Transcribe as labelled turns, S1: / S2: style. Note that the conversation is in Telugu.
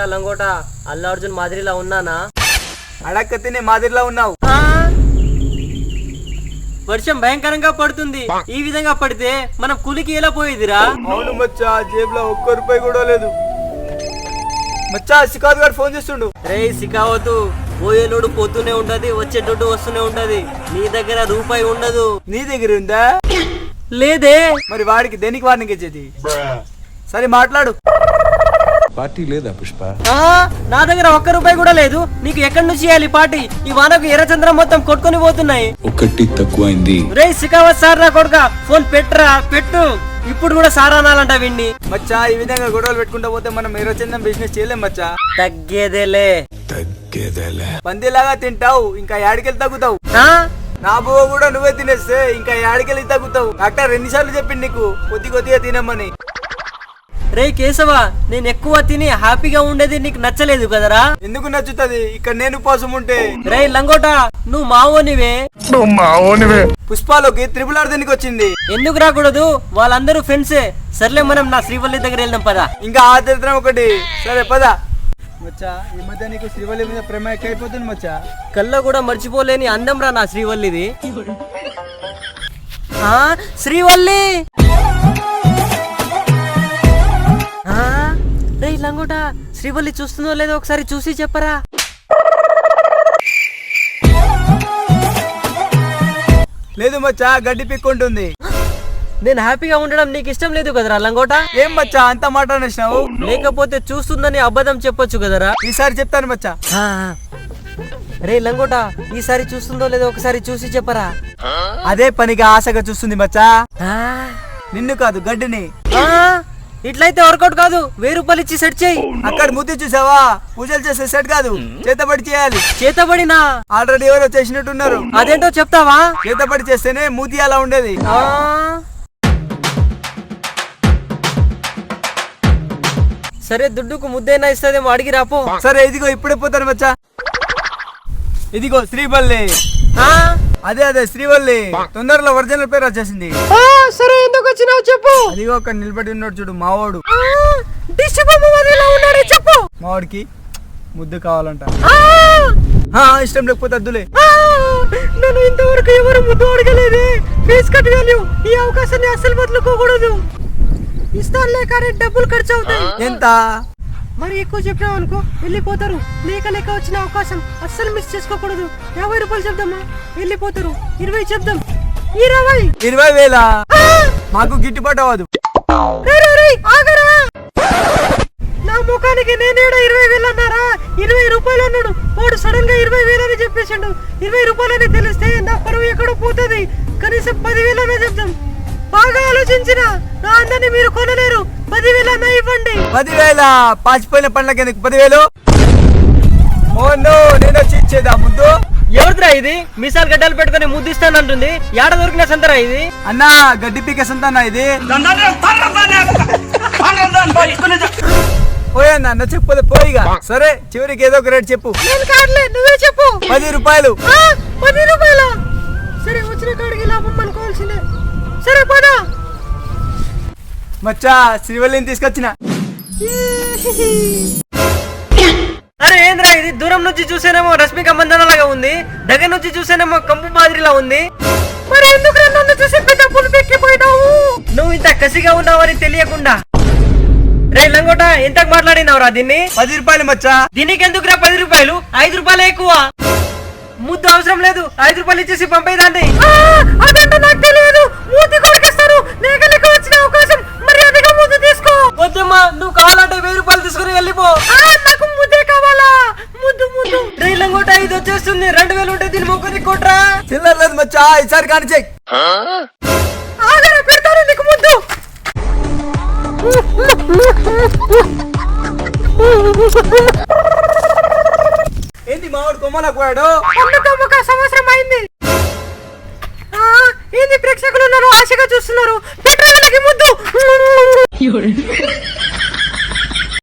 S1: లంగోట అల్లు అర్జున్ మాదిరిలా ఉన్నానా?
S2: అడక్కతినే మాదిరిలా ఉన్నావు.
S1: వర్షం భయంకరంగా పడుతుంది. ఈ విధంగా పడితే మనం కూలికి ఎలా పోయేదిరా?
S2: అవును మచ్చా, జేబులో ₹1 కూడా లేదు. మచ్చా సికాద్ గారు ఫోన్ చేస్తుండు.
S1: రే సికావతు, పోయేలోడు పోతూనే ఉంటది, వచ్చేటోడు వస్తూనే ఉంటది. నీ దగ్గర రూపాయి ఉండదు.
S2: నీ దగ్గర ఉందా?
S1: లేదే.
S2: మరి వాడికి దేనికి వార్నింగ్ ఇచ్చేది? సరే మాట్లాడు.
S3: పార్టీ లేదా పుష్ప?
S1: నా దగ్గర ₹1 కూడా లేదు. నీకు ఎక్కడి నుంచి ఇవ్వాలి పార్టీ? ఈ వానకు ఎర్రచంద్రం మొత్తం కొట్టుకొని పోతున్నాయి.
S3: ఒకటి తక్కువైంది.
S1: రే సికావత్ సార్ నా కొడుక, ఫోన్ పెట్టరా, పెట్టు. ఇప్పుడు కూడా సారా అనాలంట విన్ని.
S2: మచ్చా ఈ విధంగా గొడవలు పెట్టుకుంటా పోతే మనం ఎర్రచందం బిజినెస్ చేయలేం మచ్చా.
S1: తగ్గేదేలే.
S2: పందిలాగా తింటావు, ఇంకా యాడికెళ్ళి తగ్గుతావు. నా బువ్వ కూడా నువ్వే తినేస్తే ఇంకా యాడికెళ్ళి తగ్గుతావు. డాక్టర్ ఎన్నిసార్లు చెప్పింది నీకు కొద్దిగా తినమని?
S1: రే కేశవ, నేను ఎక్కువ తిని హ్యాపీగా ఉండేది నీకు నచ్చలేదు కదరా?
S2: ఎందుకు నచ్చుతుంది? ఇక్కడ నేను ఉపవాసం ఉంటే.
S1: రే లంగోట, నువ్వు మావోనివే.
S2: పుష్పాలోకి R దేనికి వచ్చింది?
S1: ఎందుకు రాకూడదు? వాళ్ళందరూ ఫ్రెండ్సే. సర్లే మనం నా శ్రీవల్లి దగ్గర వెళ్దాం పదా.
S2: ఇంకా ఆ దరిద్రం ఒకటి. సరే పదా. మచ్చా ఈ మధ్య నీకు శ్రీవల్లి మీద ప్రేమ ఎక్కువైపోతుంది మచ్చా.
S1: కల్లో కూడా మర్చిపోలేని అందం రా నా శ్రీవల్లిది. శ్రీవల్లి. రే లంగోట, శ్రీవల్లి చూస్తుందో లేదో ఒకసారి చూసి చెప్పరా.
S2: లేదు మచ్చా, గడ్డి పిక్కుంటుంది.
S1: నేను హ్యాపీగా ఉండడం నీకు ఇష్టం లేదు కదరా లంగోట?
S2: ఏం మచ్చా అంత మాట అనేసినావు?
S1: లేకపోతే చూస్తుందని అబద్ధం చెప్పొచ్చు కదరా.
S2: ఈసారి చెప్తాను మచ్చా.
S1: రే లంగోట, ఈసారి చూస్తుందో లేదో ఒకసారి చూసి చెప్పరా.
S2: అదే పనిగా ఆశగా చూస్తుంది మచ్చా. నిన్ను కాదు, గడ్డిని.
S1: ఇట్లయితే వర్కౌట్ కాదు. ₹1000 ఇచ్చి సెట్ చేయి.
S2: అక్కడ ముద్దు చూసావా? పూజలు చేసే సెట్ కాదు, చేతబడి చేయాలి.
S1: చేతబడినా?
S2: ఆల్రెడీ ఎవరో చేసినట్టున్నారు.
S1: అదేంటో చెప్తావా?
S2: చేతబడి చేస్తేనే మూతి అలా ఉండేది.
S1: సరే, దుడ్డుకు ముద్దైనా ఇస్తుందేమో, అడిగి రాపో.
S2: సరే ఇదిగో ఇప్పుడే పోతాను మచ్చా. ఇదిగో శ్రీవల్లి. అదే శ్రీవల్లి. తొందరలో ఒరిజినల్ పేరు వచ్చేసింది.
S1: సరే, ఎందుకు వచ్చినావు చెప్పు.
S2: అదిగో అక్కడ నిలబడి ఉన్నాడు చూడు, మావాడు.
S1: చెప్పు.
S2: మావాడికి ముద్దు కావాలంట. ఇష్టం లేకపోతే అద్దులే.
S1: నేను ఇంతవరకు ఎవరు ముద్దు అడగలేదే. Face cut value. ఈ అవకాశాన్ని అస్సలు వదులుకోకూడదు. ఇస్తానులే, కానీ డబ్బులు ఖర్చు అవుతాయి.
S2: ఎంత?
S1: మరి ఎక్కువ చెప్పినావు అనుకో, వెళ్ళిపోతారు. లేక వచ్చిన అవకాశం అస్సలు మిస్ చేసుకోకూడదు. ₹50 చెప్దామా? వెళ్ళిపోతారు. 20 చెప్దాం.
S2: 20,000 మాకు గిట్టుబాటు అవ్వదు.
S1: నా ముఖానికి నేనేడా 20,000 అన్నారా? ₹20 అన్నాడు. వాడు సడన్ గా 20,000 అని చెప్పేసాడు. ₹20 అని తెలిస్తే నా పరువు ఎక్కడో పోతుంది. కనీసం 10,000 అనే చెప్దాం. బాగా ఆలోచించిన నా అందరినీ మీరు కొనలేరు. 10,000 అన్నా ఇవ్వండి.
S2: 10,000 పాచిపోయిన పండ్లకి ఎందుకు 10,000? ఓ నో, నేను వచ్చి ఇచ్చేదా ముద్దు?
S1: ఎవరిదిరా ఇది? మీసాలు గడ్డలు పెట్టుకుని ముద్దిస్తానంటుంది. ఏడ దొరికిన సంతరా ఇది?
S2: అన్నా గడ్డి పీక సంతానా ఇది? పోయన్నా చెప్పదు పోయిగా. సరే చివరికి ఏదో ఒక రేట్ చెప్పు.
S1: నువ్వే చెప్పు.
S2: ₹10.
S1: ₹10. సరే, వచ్చిన కాడికి లాభం అనుకోవాల్సిందే. సరే పదా.
S2: మచ్చా శ్రీవల్లిని తీసుకొచ్చిన.
S1: అరే ఏంద్రా ఇది? దూరం నుంచి చూసేనేమో రష్మిక మందన లాగా ఉంది. దగ్గర నుంచి చూసేనేమో కంపు మాదిరిలా ఉంది. మరి ఎందుకు నన్ను చూసి డబ్బులు పెట్టిపోయినావు? నువ్వు ఇంత కసిగా ఉన్నావని తెలియకుండా. రే లంగోట, ఎంతకు మాట్లాడినావురా దీన్ని?
S2: ₹10 మచ్చా.
S1: దీనికి ఎందుకురా ₹10? ₹5 ఎక్కువ. ముద్దు అవసరం లేదు. ₹5 ఇచ్చేసి పంపేదాన్ని. అదంటే నాకు తెలియదు. మూతి కొరికిస్తాను. లేక వచ్చిన అవకాశం మర్యాదగా ముద్దు తీసుకో. వద్దమ్మా, నువ్వు కావాలంటే ₹1000 తీసుకుని వెళ్ళిపో. నాకు ముద్దే కావాలా? ముద్దు. రే లంగోట, ఇది వచ్చేస్తుంది. 2000 ఉంటే దీని మొక్కని కొట్రా.
S2: చిల్లర లేదు మచ్చా, ఈసారి కానీ చెక్.
S1: ఆగరా, పెడతాను నీకు ముద్దు.
S2: ఏంటి మావాడు కొమ్మలకు పోయాడు?
S1: ఒక సంవత్సరం అయింది. ఏంది ప్రేక్షకులు ఉన్నారు, ఆశగా చూస్తున్నారు. పెట్రోల్కి ముద్దు.